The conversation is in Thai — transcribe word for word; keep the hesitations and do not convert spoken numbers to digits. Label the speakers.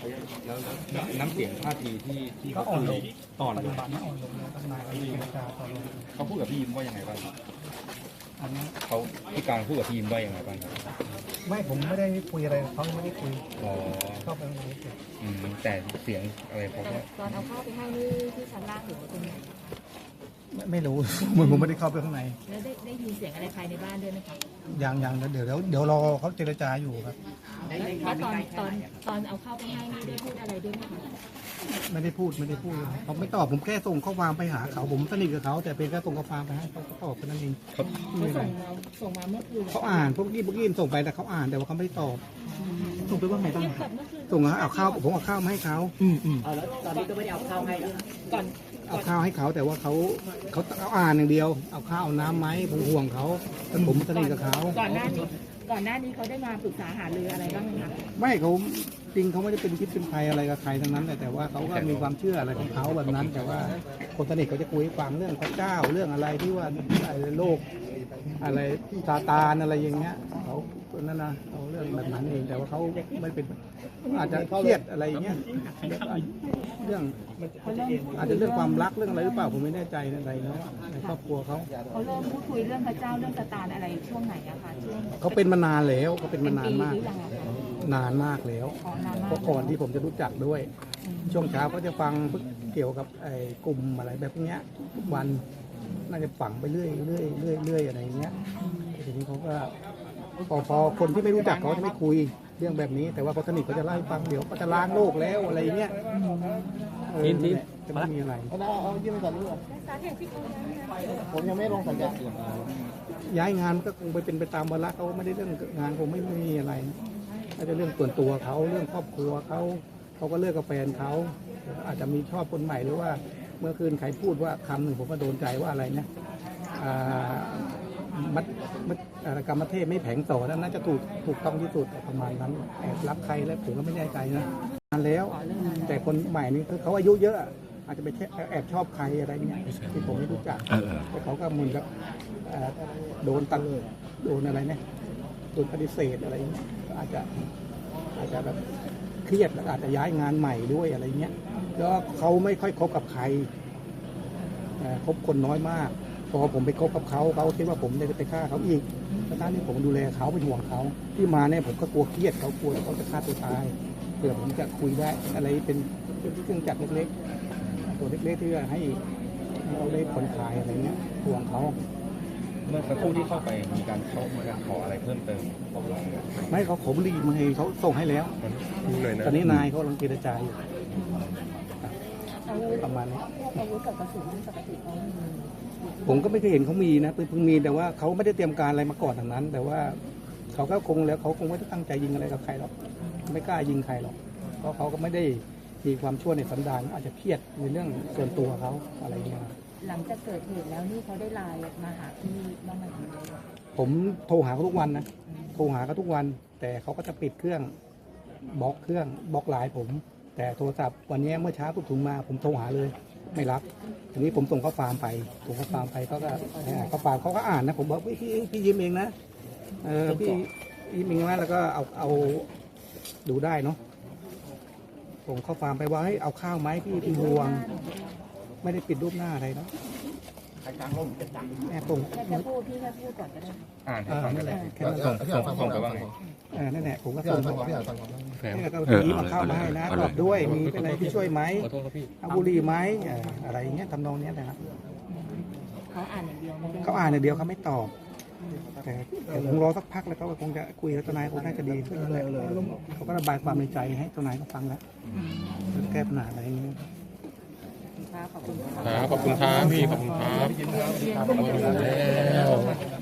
Speaker 1: แล้วน้ำเสียงท่าทีที่ที่
Speaker 2: ก็
Speaker 1: เขา
Speaker 2: อ่อนลง
Speaker 1: อ่อน
Speaker 2: ปัจ
Speaker 1: ล
Speaker 2: จุ
Speaker 1: ง
Speaker 2: บันนี้อ่อนลงแล้วทนายเจรจาต่อรอง
Speaker 1: เขาพูดกับพี่ยิ้มว่ายังไงบ้าง
Speaker 2: อันนี้
Speaker 1: เขาพี่การพูดกับพี่ยิ้มว่ายังไงบ้าง
Speaker 2: ไม่ผมไม่ได้คุยอะไรกับเขาไม่ได้คุย
Speaker 1: อ๋อ
Speaker 2: เข้าไปในนี้
Speaker 1: อืมแต่เสียงอะไรเขา
Speaker 3: แต่
Speaker 1: ก็
Speaker 3: ตอนเอาข้าวไปให้นี่ที่ชั้นล่างหรือว่าตรงไหน
Speaker 2: ไม่ไม่รู้ เหมือนผมไม่ได้เข้าไปข้างใน
Speaker 3: แล้วได้ได้ยินเสียงอะไรภายในบ้านด้วยไหมคะ
Speaker 2: ยังยังเดี๋ยวเดี๋ยวเดี๋ยวรอเขาเจรจาอยู่ครับ
Speaker 3: แล้วแล้วตอนตอนตอนเอาข้าวไปให้นี่ได้พูดอะไรด้วยไหมคะ
Speaker 2: ไม่ได้พูดไม่ได้พูดเขาไม่ตอบผมแค่ส่งข้อความไปหาเขาผมสนิทกับเขาแต่เป็นแค่ส่งข้อความไปให้เขาตอบแค่นั้นเอง
Speaker 1: เขา
Speaker 3: เขาส่งมาส่งมาเมื่อคืน
Speaker 2: เขาอ่านพวกกี้พวกกี้ส่งไปแต่เขาอ่านแต่ว่าเขาไม่ได้ตอบส่งไปว่าไงต้อง
Speaker 3: เทียบกับเมื่อคืน
Speaker 2: ส่งเอาข้าวผมเอาข้าวมาให้เขาอืมอืม
Speaker 4: เอาแล้วตอนนี้ก็ไม่ได้เอาข้าวให้แล้ว
Speaker 3: ก่อน
Speaker 2: เอาข้าวให้เขาแต่ว่าเขาเขาเอาอ่านอย่างเดียวเอาข้าวเอาน้ำไหมผมห่วงเขาแต่ผมสนิทกับเขา
Speaker 3: ก่อนหน้านี้ก่อนหน้านี้เขาได้มาปรึกษาหารืออะไรบ้างไหมคะ
Speaker 2: ไม่เขาจริงเขาไม่ได้เป็นพิษเป็นภัยอะไรกับใครทั้งนั้นแต่แต่ว่าเขาก็มีความเชื่ออะไรของเขาแบบนั้น แต่ว่าคนสนิทเขาจะคุยให้ฟังเรื่องพระเจ้าเรื่องอะไรที่ว่าอะไรโลกอะไรซาตานอะไรอย่างเงี้ยเขานั่นนะเขาเรื่องแบบนั้นเองแต่ว่าเขาไม่เป็นอาจจะเครียดอะไรอย่างเงี้ยเรื่องอาจจะเรื่องความรักเรื่องอะไรหรือเปล่าผมไม่แน่ใจอะไรเนาะในครอบครัวเขา
Speaker 3: เขาเริ่มพูดคุยเรื่องพระเจ้าเรื่องสตานอะไรช่วงไหนอะคะช่วง
Speaker 2: เขาเป็นมานานแล้วเขาเป็น
Speaker 3: เป็
Speaker 2: มาน นาน
Speaker 3: ปีห
Speaker 2: มาก
Speaker 3: รือยังอะคะ
Speaker 2: นานมากแล้ว
Speaker 3: อ๋อนาน
Speaker 2: เพ
Speaker 3: มาก
Speaker 2: ราะก่อนที่ผมจะรู้จักด้วย ช่วงเช้าก็จะฟังเกี่ยวกับไอ้กลุ่มอะไรแบบเนี้ยทุกวันน่าจะฝังไปเรื่อยเรื่อยเรื่อยเรื่อยอะไรอย่างเงี้ยทีนี้เขาก็พอพอคนที่ไม่รู้จักเขาจะไม่คุยเรื่องแบบนี้ แต่ว่าคนสนิทเขาจะเล่าให้ฟังเดี๋ยวก็จะล้างโลกแล้วอะไรอย่างเงี้ยเออนั่นแหละจะไม่มีอะไร
Speaker 4: เอาเอายื่นไปก่อนดีกว่าผมยังไม่ลงสัญญา
Speaker 2: ย้ายงานก็คงไปเป็นไปตามวาระเขาไม่ได้เรื่องงานคงไม่มีอะไรน่าจะเรื่องส่วนตัวเขาเรื่องครอบครัวเขาเขาก็เลิกกับแฟนเขาอาจจะมีชอบคนใหม่หรือว่าเมื่อคืนใครพูดว่าคำหนึ่งผมก็โดนใจว่าอะไรนะอ่ามัดมัดอะไรกรรมเทพไม่แผงต่อนั่นน่าจะถูกถูกต้องที่สุดประมาณนั้นแอบรักใครแล้วผมก็ไม่แน่ใจนะนานแล้ว แต่คนใหม่นี่คือเขาอายุเยอะ อาจจะไปแอบชอบใครอะไรเงี้ยที่ผมไม่รู้จักแต่เขาก็เหมือนกับเอ่อโดนตัดโดนอะไรเนี่ยโดนปฏิเสธอะไรเงี้ยอาจจะอาจจะแบบเครียดแล้วอาจจะย้ายงานใหม่ด้วยอะไรเงี้ยแล้วเขาไม่ค่อยคบกับใครเอ่อคบคนน้อยมากพอผมไปคบกับเขาเขาคิดว่าผมจะไปฆ่าเขาอีกทั้งที่ผมดูแลเขาเป็นห่วงเขาที่มาเนี่ยผมก็กลัวเครียดเขากลัวเขาจะฆ่าตัวตายเผื่อผมจะคุยได้อะไรเป็นเครื่องจักรเล็กๆตัวเล็กๆที่ให้เราได้ผ่อนคลายอะไรเงี้ยห่วงเขา
Speaker 1: เมื่อสักครู่ที่เข้าไปมีการเข้ามาขออะไรเพิ่มเติมบอกเรา
Speaker 2: ไม่เขาขอบุหรี่มาให้เขาส่งให้แล้ว
Speaker 1: เลยนะ
Speaker 2: ตอนนี้นายเขากำลังเจรจาอยู่ประมาณนี้
Speaker 3: อาวุธกับกระสุนที่ปกติเขามี
Speaker 2: ผมก็ไม่เคยเห็นเขามีนะเพิ่งมีแต่ว่าเขาไม่ได้เตรียมการอะไรมาก่อนทางนั้น แต่ว่าเขาก็คงแล้วเขาคงไม่ได้ตั้งใจยิงอะไรกับใครหรอกไม่กล้ายิงใครหรอกเพราะเขาก็ไม่ได้มีความชั่วในสันดานอาจจะเครียดในเรื่องส่วนตัวเขาอะไรเงี้ย
Speaker 3: หลังจากเกิดเหตุแล้วนี่เขาได้ไลน์มาหาพี่บ้างไหมคะ
Speaker 2: ผมโทรหาเขาทุกวันนะโทรหาเขาทุกวัน แต่เขาก็จะปิดเครื่องบล็อกเครื่องบล็อกไลน์ผม แต่โทรศัพท์วันนี้เมื่อเช้าปุ๊บถุงมาผมโทรหาเลยไม่รับทีนี้ผมส่งข้อความไปส่งข้อความไปเขาก็ข้อความเขาก็อ่านนะผมบอกพี่พี่พี่ยิ้มเองนะเออพี่ยิ้มเองนะแล้วก็เอาเอาดูได้เนาะส่งข้อความไปว่าให้เอาข้าวไหมพี่พี่ห่วง ไม่ได้ปิดรูปหน้าอะไรเนาะแอบส่ง
Speaker 3: แค่จะพูดพี่แค่พูดก่อนก็ได้
Speaker 1: อ่านให้
Speaker 2: เออ
Speaker 1: ฟัง
Speaker 2: นั่นแหละแค่นั้น
Speaker 1: ส่งส่งส่งไปว่าไง
Speaker 2: เออนั่นแหละผมก็
Speaker 4: พี่
Speaker 2: ส่
Speaker 4: อ่าง นฟังก่อนพี่อ่านฟังก่อน
Speaker 1: แฟม
Speaker 2: เนี่ยก็มีมาเข้ามาให้นะตอบด้วยมีเป็นอะไรที่ช่วยไหม
Speaker 1: ขอโทษครับพี่
Speaker 2: เอาบุหรี่ไหมเอ่ออะไรอย่างเงี้ยทำนองเนี้ยนะครับ
Speaker 3: เขาอ่านอย่างเดียวไม่ได้
Speaker 2: เขาอ่านอย่างเดียวเขาไม่ตอบ แต่แต่คงรอสักพักแล้วเขาก็คงจะคุยกับทนายคงน่าจะดีขึ้นแหละเขาก็ระบายความในใจให้ทนายเขาฟังแล้วแก้ปัญหาอะไรอย่างเงี้ย
Speaker 3: ค่ะขอบคุณค่ะ
Speaker 1: ครับขอบคุณครับพี่ขอบคุณครับขอบคุณแล้ว